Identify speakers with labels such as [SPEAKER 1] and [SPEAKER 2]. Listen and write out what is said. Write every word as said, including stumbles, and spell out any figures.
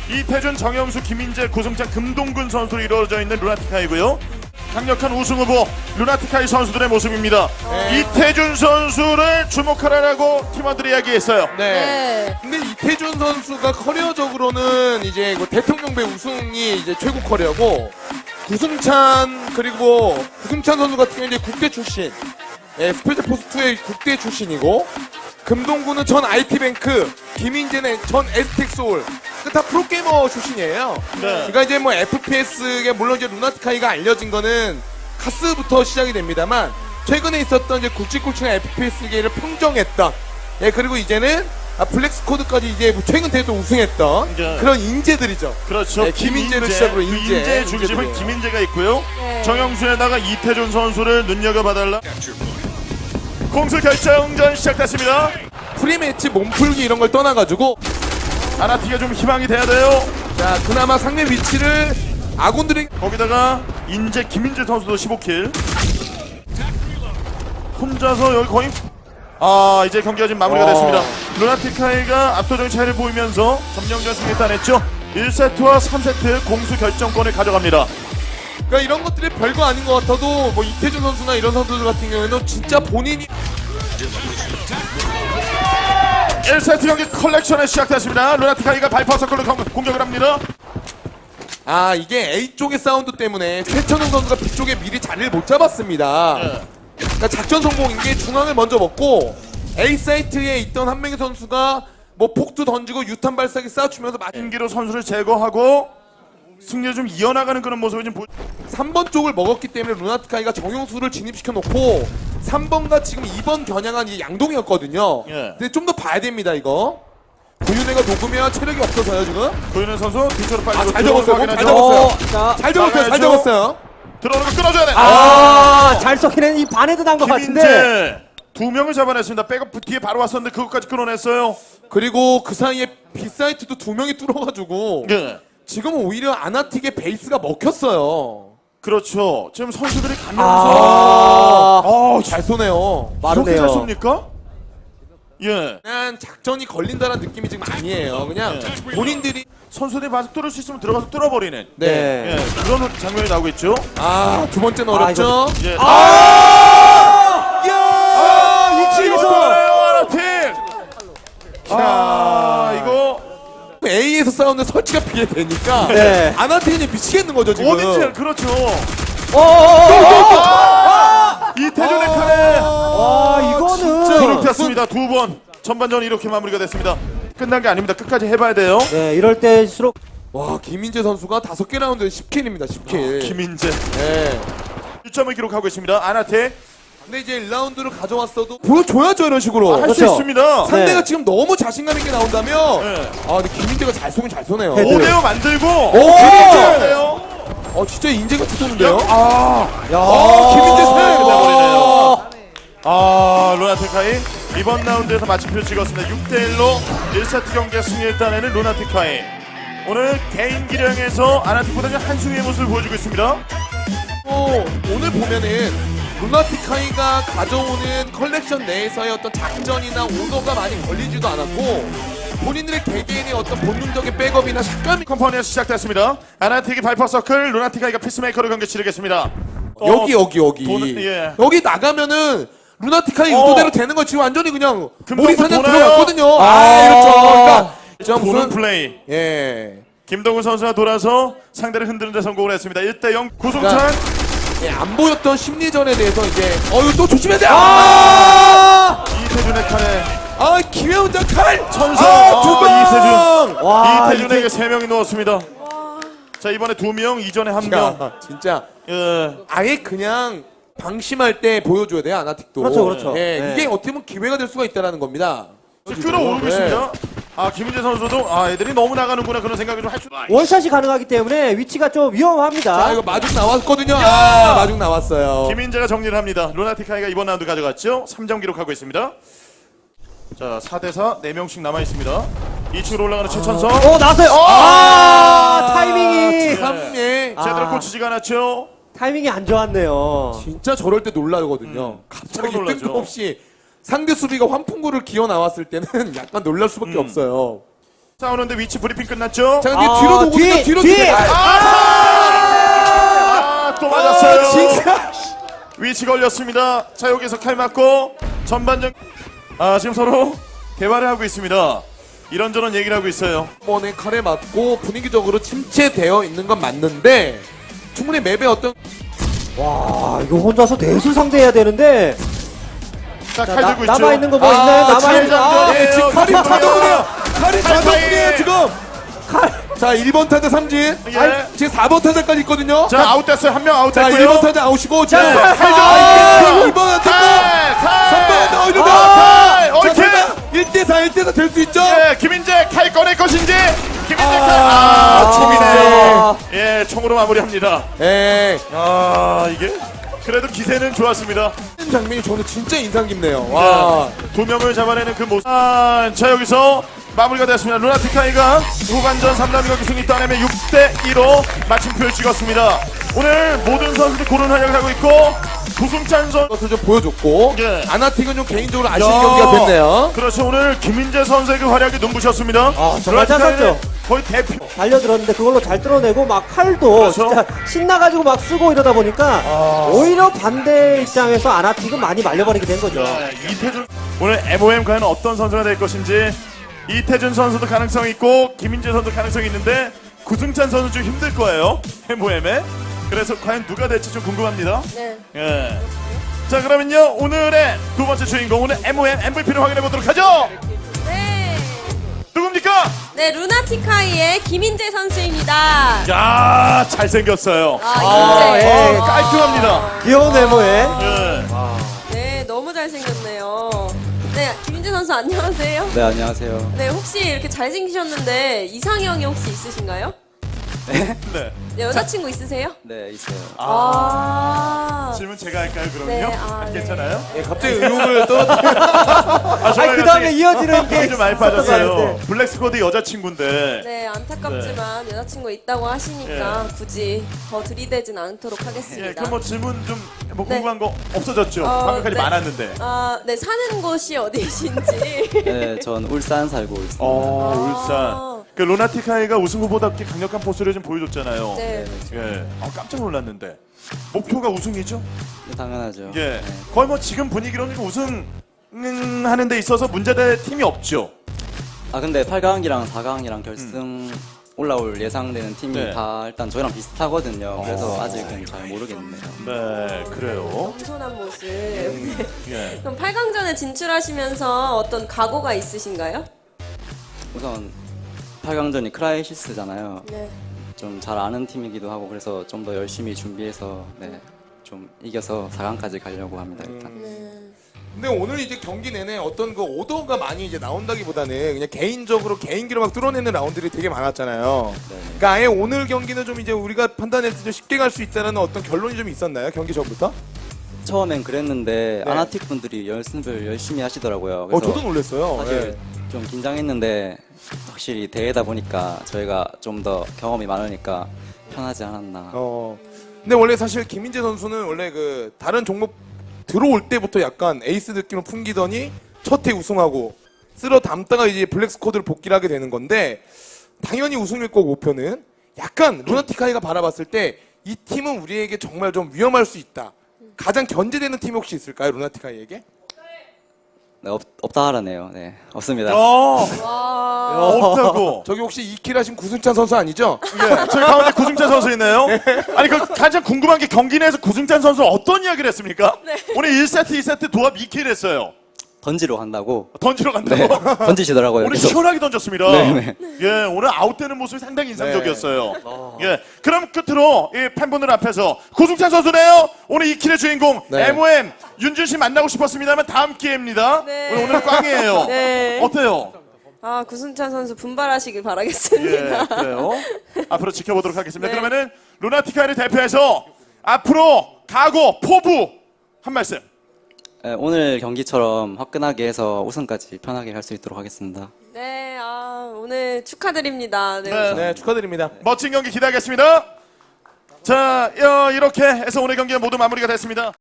[SPEAKER 1] 이태준, 정영수, 김인재, 고승찬, 금동근 선수로 이루어져 있는 루나티카이고요. 강력한 우승 후보 루나티카이 선수들의 모습입니다.
[SPEAKER 2] 네.
[SPEAKER 1] 이태준 선수를 주목하라고 팀원들이 이야기했어요.
[SPEAKER 2] 네.
[SPEAKER 3] 네.
[SPEAKER 2] 근데 이태준 선수가 커리어적으로는 이제 그 대통령배 우승이 이제 최고 커리어고, 구승찬 그리고 구승찬 선수 같은 경우는 이제 국대 출신, 예, 스페셜포스투의 국대 출신이고, 금동구는 전 아이티뱅크, 김인재는 전 에스텍소울, 그 다 프로게이머 출신이에요.
[SPEAKER 1] 네.
[SPEAKER 2] 그러니까 이제 뭐 에프피에스가 물론 이제 루나티카이가 알려진 거는 카스부터 시작이 됩니다만, 최근에 있었던 이제 굵직굵직한 에프피에스계를 평정했던, 예, 그리고 이제는 아, 블랙스코드까지 이제 최근 대회 또 우승했던
[SPEAKER 1] 네.
[SPEAKER 2] 그런 인재들이죠.
[SPEAKER 1] 그렇죠.
[SPEAKER 2] 네, 김인재를 시작으로
[SPEAKER 1] 그
[SPEAKER 2] 인재.
[SPEAKER 1] 인재의 중심은
[SPEAKER 2] 인재들이에요.
[SPEAKER 1] 김인재가 있고요.
[SPEAKER 3] 네.
[SPEAKER 1] 정영수에다가 이태준 선수를 눈여겨봐달라. 공수 결정전 시작됐습니다.
[SPEAKER 2] 프리매치 몸풀기 이런 걸 떠나가지고,
[SPEAKER 1] 아나티가 좀 희망이 돼야 돼요.
[SPEAKER 2] 자, 그나마 상대 위치를 아군들이
[SPEAKER 1] 거기다가 인재 김인재 선수도 십오 킬. 혼자서 여기 거의 아 이제 경기가 지금 마무리가
[SPEAKER 2] 와.
[SPEAKER 1] 됐습니다. 루나티카이가 압도적인 차이를 보이면서 점령전 승리 따냈죠. 일 세트와 삼 세트 공수 결정권을 가져갑니다.
[SPEAKER 2] 그러니까 이런 것들이 별거 아닌 것 같아도 뭐 이태준 선수나 이런 선수들 같은 경우에는 진짜 본인이
[SPEAKER 1] 일 세트 경기 컬렉션에 시작됐습니다. 루나티카이가 발파 서클로 공격을 합니다.
[SPEAKER 2] 아 이게 A 쪽의 사운드 때문에 최천웅 선수가 B 쪽에 미리 자리를 못 잡았습니다.
[SPEAKER 1] 네.
[SPEAKER 2] 그러니까 작전 성공인 게 중앙을 먼저 먹고 A 사이트에 있던 한 명의 선수가 뭐 폭도 던지고 유탄 발사기 쏴주면서 마-
[SPEAKER 1] 인기로 선수를 제거하고 승리를 좀 이어나가는 그런 모습을 좀 보...
[SPEAKER 2] 삼 번 쪽을 먹었기 때문에 루나티카이가 정용수를 진입시켜 놓고 삼 번과 지금 이 번 겨냥한 이 양동이었거든요.
[SPEAKER 1] 예.
[SPEAKER 2] 근데 좀 더 봐야 됩니다 이거. 구윤회가 녹으면 체력이 없어서요 지금.
[SPEAKER 1] 보이는 선수 뒤쪽으로 빨리
[SPEAKER 2] 아, 잘
[SPEAKER 1] 들어오는
[SPEAKER 2] 접었어요.
[SPEAKER 1] 거
[SPEAKER 2] 잘
[SPEAKER 1] 확인하죠.
[SPEAKER 2] 접었어요.
[SPEAKER 3] 어, 자,
[SPEAKER 2] 잘 접었어요. 잘
[SPEAKER 1] 나가야죠.
[SPEAKER 2] 접었어요.
[SPEAKER 1] 들어오는 거 끊어줘야 돼.
[SPEAKER 3] 아, 잘 썩히는 이 반에도 난 것 같은데.
[SPEAKER 1] 김인재 두 명을 잡아냈습니다. 백업 뒤에 바로 왔었는데 그것까지 끊어냈어요.
[SPEAKER 2] 그리고 그 사이에 B 사이트도 두 명이 뚫어가지고
[SPEAKER 1] 네.
[SPEAKER 2] 지금은 오히려 아나틱의 베이스가 먹혔어요.
[SPEAKER 1] 그렇죠. 지금 선수들이 가면서
[SPEAKER 3] 아,
[SPEAKER 1] 아,
[SPEAKER 2] 잘 쏘네요.
[SPEAKER 1] 이렇게 잘
[SPEAKER 3] 마르네요.
[SPEAKER 1] 쏩니까? 예.
[SPEAKER 2] 그냥 작전이 걸린다는 느낌이 지금 아니에요. 그냥
[SPEAKER 1] 네.
[SPEAKER 2] 본인들이
[SPEAKER 1] 선수들이 봐서 뚫을 수 있으면 들어가서 뚫어버리는
[SPEAKER 2] 네.
[SPEAKER 1] 예. 그런 장면이 나오고 있죠.
[SPEAKER 2] 아, 두 번째는
[SPEAKER 3] 아,
[SPEAKER 2] 어렵죠.
[SPEAKER 1] 예.
[SPEAKER 2] 아! 야!
[SPEAKER 1] 아,
[SPEAKER 3] 위치에서!
[SPEAKER 1] 아나팀. 아, 이거
[SPEAKER 2] A에서 싸우는 설치가 비례되니까
[SPEAKER 3] 네.
[SPEAKER 2] 아나테인이 미치겠는 거죠 지금.
[SPEAKER 1] 어딘지 그렇죠.
[SPEAKER 3] 어어어어!
[SPEAKER 1] 이태준의 칼에
[SPEAKER 3] 와, 이거는.
[SPEAKER 1] 불을 폈습니다. 두 번. 전반전 이렇게 마무리가 됐습니다. 끝난 게 아닙니다. 끝까지 해봐야 돼요.
[SPEAKER 3] 네, 이럴 때일수록.
[SPEAKER 2] 와, 김인재 선수가 다섯 개 라운드에 십 킬입니다. 십 킬.
[SPEAKER 1] 김인재
[SPEAKER 2] 네.
[SPEAKER 1] 일 점을 기록하고 있습니다. 아나테
[SPEAKER 2] 근데 이제 일 라운드를 가져왔어도 보여줘야죠 이런 식으로.
[SPEAKER 1] 할 수
[SPEAKER 3] 그렇죠.
[SPEAKER 1] 있습니다.
[SPEAKER 2] 상대가
[SPEAKER 3] 네.
[SPEAKER 2] 지금 너무 자신감 있게 나온다면
[SPEAKER 1] 네.
[SPEAKER 2] 아 근데 김인재가 잘 쏘긴 잘 쏘네요.
[SPEAKER 3] 헤드.
[SPEAKER 1] 오 대 오 만들고
[SPEAKER 2] 오!
[SPEAKER 1] 해야 돼요.
[SPEAKER 2] 어 진짜 인재가 투톱인데요?
[SPEAKER 1] 아,
[SPEAKER 3] 야,
[SPEAKER 2] 어, 김인재 세!
[SPEAKER 1] 돼버리네요. 아, 루나티카이 이번 라운드에서 마침표 찍었습니다. 육 대 일로 일 세트 경기에 승리를 따내는 루나티카이. 오늘 개인 기량에서 아나틱보다는 한승희의 모습을 보여주고 있습니다.
[SPEAKER 2] 어, 오늘 보면은 루나티카이가 가져오는 컬렉션 내에서의 어떤 작전이나 오더가 많이 걸리지도 않았고 본인들의 개개인의 어떤 본능적인 백업이나 샷감이
[SPEAKER 1] 컴퍼니에서 시작됐습니다. 아나틱이 발퍼 서클, 루나티카이가 피스메이커로 경기 치르겠습니다.
[SPEAKER 2] 여기 여기 여기
[SPEAKER 1] 돈- 예.
[SPEAKER 2] 여기 나가면은 루나티카이
[SPEAKER 1] 어.
[SPEAKER 2] 의도대로 되는 거 지금 완전히 그냥
[SPEAKER 1] 금방
[SPEAKER 2] 머리 사냥
[SPEAKER 1] 도나요?
[SPEAKER 2] 들어갔거든요. 아,
[SPEAKER 3] 아.
[SPEAKER 2] 그렇죠. 그러니까 저
[SPEAKER 1] 도는
[SPEAKER 2] 무슨
[SPEAKER 1] 플레이.
[SPEAKER 2] 예.
[SPEAKER 1] 김동훈 선수가 돌아서 상대를 흔드는 데 성공을 했습니다. 일 대 영 구승찬.
[SPEAKER 2] 예, 안 보였던 심리전에 대해서 이제 어 이거 또 조심해야 돼. 아!
[SPEAKER 3] 아!
[SPEAKER 1] 이태준의 칼에
[SPEAKER 2] 아 김혜훈장 칼
[SPEAKER 1] 천성.
[SPEAKER 2] 아, 두
[SPEAKER 1] 아,
[SPEAKER 2] 방.
[SPEAKER 1] 이태준.
[SPEAKER 3] 와,
[SPEAKER 1] 이태준에게 세 명이 누웠습니다. 자, 이번에 두 명, 이전에 한 명.
[SPEAKER 2] 야, 진짜
[SPEAKER 1] 예.
[SPEAKER 2] 아예 그냥 방심할 때 보여줘야 돼요 아나틱도.
[SPEAKER 3] 그렇죠, 그렇죠.
[SPEAKER 2] 예,
[SPEAKER 3] 네.
[SPEAKER 2] 이게 어떻게 보면 기회가 될 수가 있다라는 겁니다.
[SPEAKER 1] 끌어오르고
[SPEAKER 2] 네.
[SPEAKER 1] 있습니다. 아, 김인재 선수도 아, 애들이 너무 나가는구나 그런 생각을 좀 할 수.
[SPEAKER 3] 원샷이 가능하기 때문에 위치가 좀 위험합니다.
[SPEAKER 2] 자 이거 마중 나왔거든요.
[SPEAKER 1] 야!
[SPEAKER 2] 아 마중 나왔어요.
[SPEAKER 1] 김인재가 정리를 합니다. 루나티카이가 이번 라운드 가져갔죠. 삼 점 기록하고 있습니다. 자, 사 대 사 네 명씩 남아 있습니다. 이 층으로 올라가는 최천성.
[SPEAKER 3] 어, 나왔어요. 아, 타이밍이.
[SPEAKER 2] 참 예.
[SPEAKER 1] 제대로
[SPEAKER 3] 아.
[SPEAKER 1] 꽂히지가 않았죠.
[SPEAKER 3] 타이밍이 안 좋았네요.
[SPEAKER 2] 진짜 저럴 때 놀라거든요. 갑자기
[SPEAKER 1] 서로 놀라죠.
[SPEAKER 2] 뜬금없이 상대 수비가 환풍구를 기어 나왔을 때는 약간 놀랄 수밖에
[SPEAKER 1] 음.
[SPEAKER 2] 없어요.
[SPEAKER 1] 싸우는데 위치 브리핑 끝났죠?
[SPEAKER 2] 자, 근데
[SPEAKER 3] 아,
[SPEAKER 2] 뒤로 도고
[SPEAKER 3] 뒤,
[SPEAKER 2] 뒤로
[SPEAKER 3] 뒤!
[SPEAKER 2] 뒤로.
[SPEAKER 1] 아, 또 맞았어요.
[SPEAKER 2] 아, 진짜.
[SPEAKER 1] 위치 걸렸습니다. 자, 여기서 칼 맞고 전반전. 아, 지금 서로 대화를 하고 있습니다. 이런저런 얘기를 하고 있어요.
[SPEAKER 2] 번에 칼에 맞고 분위기적으로 침체되어 있는 건 맞는데 충분히 맵의 어떤
[SPEAKER 3] 와, 이거 혼자서 넷을 상대해야 되는데.
[SPEAKER 1] 자,
[SPEAKER 3] 자,
[SPEAKER 1] 칼
[SPEAKER 3] 나,
[SPEAKER 1] 들고 있죠.
[SPEAKER 3] 남아있는 거 뭐 있나요? 남아있는 거. 아,
[SPEAKER 1] 예,
[SPEAKER 2] 지금 칼이
[SPEAKER 1] 어,
[SPEAKER 2] 자동이에요. 칼이
[SPEAKER 1] 칼
[SPEAKER 2] 자동이에요
[SPEAKER 1] 사이.
[SPEAKER 2] 지금. 자, 일 번 타자 삼진.
[SPEAKER 1] 예.
[SPEAKER 2] 지금 사 번 타자까지 있거든요.
[SPEAKER 1] 자, 아웃됐어요. 한 명
[SPEAKER 2] 자,
[SPEAKER 1] 아웃됐고요.
[SPEAKER 2] 일 번 타자 아웃이고 지금
[SPEAKER 1] 네,
[SPEAKER 2] 아,
[SPEAKER 1] 칼
[SPEAKER 2] 이 번 안 됐고
[SPEAKER 1] 칼, 칼.
[SPEAKER 2] 삼 번 어, 이러면
[SPEAKER 1] 아, 칼.
[SPEAKER 2] 자,
[SPEAKER 1] 옳게.
[SPEAKER 2] 설마 일 대 사, 일 대 사 될 수 있죠?
[SPEAKER 1] 예, 김인재 칼 꺼낼 것인지. 김인재 칼. 아, 총이네요. 예, 총으로 마무리합니다.
[SPEAKER 2] 예.
[SPEAKER 1] 아, 이게 그래도 기세는 좋았습니다.
[SPEAKER 2] 이 장면이 저는 진짜 인상 깊네요. 와.
[SPEAKER 1] 두 명을 잡아내는 그 모습. 아, 자, 여기서 마무리가 됐습니다. 루나티카이가 후반전 삼 라운드 경기 승리 따내며 육 대 이로 마침표를 찍었습니다. 오늘 모든 선수들이 고른 활약을 하고 있고 구승찬 선수
[SPEAKER 2] 것을 좀 보여줬고
[SPEAKER 1] 예.
[SPEAKER 2] 아나틱은 좀 개인적으로 아쉬운
[SPEAKER 1] 야.
[SPEAKER 2] 경기가 됐네요.
[SPEAKER 1] 그렇죠. 오늘 김민재 선수의 그 활약이 눈부셨습니다.
[SPEAKER 3] 아, 정말 잘
[SPEAKER 1] 루나티카이는
[SPEAKER 3] 쐈죠.
[SPEAKER 1] 거의 대표.
[SPEAKER 3] 달려들었는데 그걸로 잘 뚫어내고 막 칼도
[SPEAKER 1] 그렇죠.
[SPEAKER 3] 진짜 신나가지고 막 쓰고 이러다 보니까 오히려 반대 입장에서 아나틱은 많이 말려버리게 된 거죠.
[SPEAKER 1] 네, 이태준 오늘 엠오엠 과연 어떤 선수가 될 것인지 이태준 선수도 가능성이 있고 김민재 선수도 가능성이 있는데 구승찬 선수 좀 힘들 거예요. 엠오엠에. 그래서 과연 누가 될지 좀 궁금합니다.
[SPEAKER 4] 네.
[SPEAKER 1] 예. 자, 그러면요 오늘의 두 번째 주인공 오늘 엠오엠 엠브이피를 확인해 보도록 하죠.
[SPEAKER 4] 네.
[SPEAKER 1] 누굽니까?
[SPEAKER 4] 네, 루나티카이의 김인재 선수입니다.
[SPEAKER 1] 야, 잘생겼어요.
[SPEAKER 4] 아,
[SPEAKER 3] 아,
[SPEAKER 4] 인재.
[SPEAKER 3] 예.
[SPEAKER 1] 어, 깔끔합니다.
[SPEAKER 3] 귀여운 외모에
[SPEAKER 1] 예.
[SPEAKER 4] 네, 너무 잘생겼네요. 네, 김인재 선수 안녕하세요.
[SPEAKER 5] 네, 안녕하세요.
[SPEAKER 4] 네, 혹시 이렇게 잘생기셨는데 이상형이 혹시 있으신가요?
[SPEAKER 1] 네.
[SPEAKER 4] 네, 여자친구 있으세요?
[SPEAKER 5] 네, 있어요.
[SPEAKER 4] 아.
[SPEAKER 1] 질문 제가 할까요, 그럼요?
[SPEAKER 4] 네, 아, 네.
[SPEAKER 1] 괜찮아요?
[SPEAKER 2] 예, 갑자기 의혹을 떨어뜨려.
[SPEAKER 1] 아,
[SPEAKER 3] 아니, 그 다음에 이어지는 게
[SPEAKER 1] 좀 많이
[SPEAKER 3] 있었던 거
[SPEAKER 1] 빠졌어요.
[SPEAKER 3] 같은데.
[SPEAKER 1] 블랙 스쿼드 여자친구인데.
[SPEAKER 4] 네, 안타깝지만 여자친구 있다고 하시니까 굳이 더 들이대진 않도록
[SPEAKER 1] 예,
[SPEAKER 4] 하겠습니다.
[SPEAKER 1] 그럼 뭐 질문 좀 뭐
[SPEAKER 4] 네.
[SPEAKER 1] 궁금한 거 없어졌죠?
[SPEAKER 4] 어,
[SPEAKER 1] 방금까지
[SPEAKER 4] 네.
[SPEAKER 1] 많았는데.
[SPEAKER 4] 아, 네, 사는 곳이 어디신지.
[SPEAKER 5] 네, 전 울산 살고 있습니다.
[SPEAKER 1] 어,
[SPEAKER 4] 아.
[SPEAKER 1] 울산. 그 로나티카이가 우승 후보답게 강력한 포스를 좀 보여줬잖아요.
[SPEAKER 4] 네.
[SPEAKER 1] 예. 아, 깜짝 놀랐는데. 목표가 우승이죠?
[SPEAKER 5] 네, 당연하죠.
[SPEAKER 1] 예.
[SPEAKER 5] 네.
[SPEAKER 1] 거의 뭐 지금 분위기로는 우승 음, 하는 데 있어서 문제될 팀이 없죠.
[SPEAKER 5] 아, 근데 팔 강이랑 사 강이랑 결승 올라올 예상되는 팀이
[SPEAKER 1] 네.
[SPEAKER 5] 다 일단 저희랑 비슷하거든요. 그래서 아직은 잘 모르겠네요.
[SPEAKER 1] 네, 그래요.
[SPEAKER 4] 겸손한 모습.
[SPEAKER 1] 예.
[SPEAKER 4] 그럼 팔 강전에 진출하시면서 어떤 각오가 있으신가요?
[SPEAKER 5] 우선 팔 강전이 크라이시스잖아요.
[SPEAKER 4] 네.
[SPEAKER 5] 좀 잘 아는 팀이기도 하고 그래서 좀 더 열심히 준비해서 네, 좀 이겨서 사 강까지 가려고 합니다. 일단.
[SPEAKER 4] 네.
[SPEAKER 2] 근데 오늘 이제 경기 내내 어떤 그 오더가 많이 이제 나온다기보다는 그냥 개인적으로 개인기로 막 뚫어내는 라운드들이 되게 많았잖아요.
[SPEAKER 5] 네.
[SPEAKER 2] 그러니까 아예 오늘 경기는 좀 이제 우리가 판단했을 때 쉽게 갈 수 있다는 어떤 결론이 좀 있었나요? 경기 전부터?
[SPEAKER 5] 처음엔 그랬는데
[SPEAKER 2] 네.
[SPEAKER 5] 아나틱 분들이 연습을 열심히 하시더라고요.
[SPEAKER 2] 어,
[SPEAKER 5] 그래서
[SPEAKER 2] 저도 놀랐어요.
[SPEAKER 5] 사실
[SPEAKER 2] 네.
[SPEAKER 5] 좀 긴장했는데 확실히 대회다 보니까 저희가 좀 더 경험이 많으니까 편하지 않았나.
[SPEAKER 2] 어. 근데 원래 사실 김민재 선수는 원래 그 다른 종목 들어올 때부터 약간 에이스 느낌을 풍기더니 첫 해 우승하고 쓸어 담다가 이제 블랙 스쿼드를 복귀를 하게 되는 건데 당연히 우승일 거고 목표는 약간 루나티카이가 바라봤을 때 이 팀은 우리에게 정말 좀 위험할 수 있다. 가장 견제되는 팀이 혹시 있을까요, 루나티카이에게?
[SPEAKER 5] 네, 없, 없다 하라네요. 네, 없습니다.
[SPEAKER 1] 어,
[SPEAKER 4] 와.
[SPEAKER 1] 없다고.
[SPEAKER 2] 저기 혹시 이 킬 하신 구승찬 선수 아니죠?
[SPEAKER 1] 예, 저희 가운데 구승찬 선수 있네요. 아니, 그 가장 궁금한 게 경기 내에서 구승찬 선수 어떤 이야기를 했습니까? 오늘 일 세트, 이 세트 도합 이 킬 했어요.
[SPEAKER 5] 던지러 간다고.
[SPEAKER 1] 던지러 간다고.
[SPEAKER 5] 네, 던지시더라고요.
[SPEAKER 1] 오늘
[SPEAKER 5] 그래서
[SPEAKER 1] 시원하게 던졌습니다.
[SPEAKER 5] 네,
[SPEAKER 1] 예, 오늘 아웃되는 모습이 상당히 인상적이었어요. 예, 그럼 끝으로 이 팬분들 앞에서 구승찬 선수네요. 오늘 이 킬의 주인공
[SPEAKER 2] 네.
[SPEAKER 1] 엠오엠 윤준 씨 만나고 싶었습니다만 다음 기회입니다.
[SPEAKER 4] 네.
[SPEAKER 1] 오늘 오늘 꽝이에요.
[SPEAKER 4] 네.
[SPEAKER 1] 어때요?
[SPEAKER 4] 아, 구승찬 선수 분발하시길
[SPEAKER 1] 예,
[SPEAKER 4] 바라겠습니다.
[SPEAKER 1] 그래요. 앞으로 지켜보도록 하겠습니다.
[SPEAKER 4] 네.
[SPEAKER 1] 그러면은 루나티카이를 대표해서 앞으로 각오, 포부 한 말씀.
[SPEAKER 5] 네, 오늘 경기처럼 화끈하게 해서 우승까지 편하게 할 수 있도록 하겠습니다.
[SPEAKER 4] 네, 아, 오늘 축하드립니다. 네.
[SPEAKER 1] 네.
[SPEAKER 2] 네, 축하드립니다.
[SPEAKER 1] 멋진 경기 기대하겠습니다. 자, 어, 이렇게 해서 오늘 경기가 모두 마무리가 됐습니다.